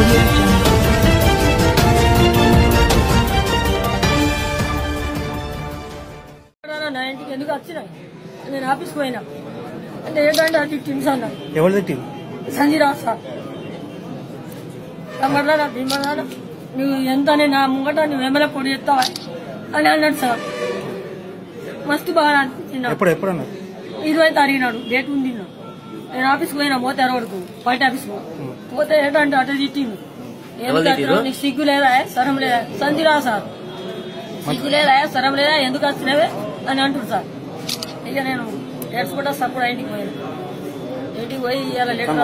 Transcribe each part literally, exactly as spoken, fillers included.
నా ఇంటికి ఎందుకు వచ్చినా నేను ఆఫీస్కి పోయినా అంటే ఏంటంటే అది టీమ్స్ అన్నా ఎవరిది టీం సంజీరావు సార్ రమ్మన్నారా దిమ్మన్నారా నువ్వు ఎంత నా ముంగట నువ్వు ఎమ్మెల్యే పొడి చేస్తావా అని అన్నాడు సార్ మస్తు బాగా అనిపించింది. ఎప్పుడు ఎప్పుడన్నా ఇరవై తారీఖు నాడు డేట్ ఉంది. నేను ఆఫీస్కి పోయినా మోతే రోడ్కు బయట ఆఫీస్కు పోతే ఏంటంటే అటు తిట్టింది. నీకు సిగ్గు లేదా సరం లేదా సంజీరావు సార్ సిగ్గు లేదా సరం లేదా ఎందుకు వచ్చినవే అని అంటారు సార్. ఇక నేను ఏడ్చుకుంటా సప్పుడు ఇంటికి పోయాను. ఇంటికి పోయి ఇవాళ లెటర్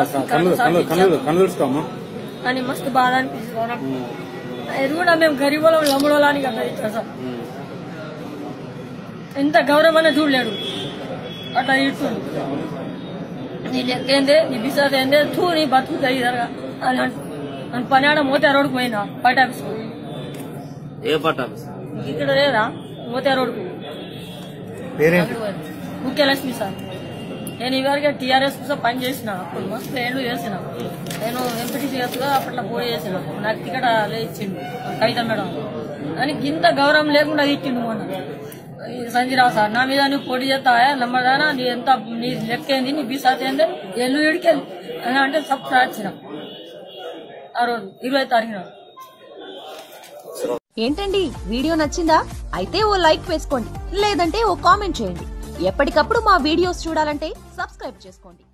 అని మస్తు బాధ అనిపిస్తుంది. ఇది కూడా మేము గరీబులం లమ్ముడోలానికి అట్లా ఇచ్చాం సార్. ఎంత గౌరవం అనే చూడలేడు అట్లా ఇస్తుంది. నీ లెక్క ఏందే నీ బిసాద్ ఏందే తూ నీ బతుకు జరిగిదరగా అని అంటు నన్ను పని ఆడ మోతే రోడ్కు పోయినా బయట ఆఫీస్కు ఇక్కడ లేదా మోతే రోడ్కు ముఖ్యలక్ష్మి సార్. నేను ఇవరికి టీఆర్ఎస్ కోసం పని చేసిన అప్పుడు మస్తు ఏళ్ళు చేసిన. నేను ఎంపీటీసీగా అప్పట్లో పోటీ చేసిన. నాకు టికెట్ ఇచ్చిండు కవిత మేడం అని ఇంత గౌరవం లేకుండా ఇచ్చిండు మొన్న సంజీరావు సార్. నా మీద నువ్వు పోటీ చేస్తావా నమ్మదానా నీ ఎంత నీ లెక్క ఏంది నీ బీసాత్ ఏంది ఎల్లు ఇడికెళ్ళి అని అంటే సప్పు రాచిన ఆ రోజు ఇరవై తారీఖున. ఏంటండి వీడియో నచ్చిందా? అయితే ఓ లైక్ వేసుకోండి, లేదంటే ఓ కామెంట్ చేయండి. ఎప్పటికప్పుడు మా వీడియోస్ చూడాలంటే సబ్స్క్రైబ్ చేసుకోండి.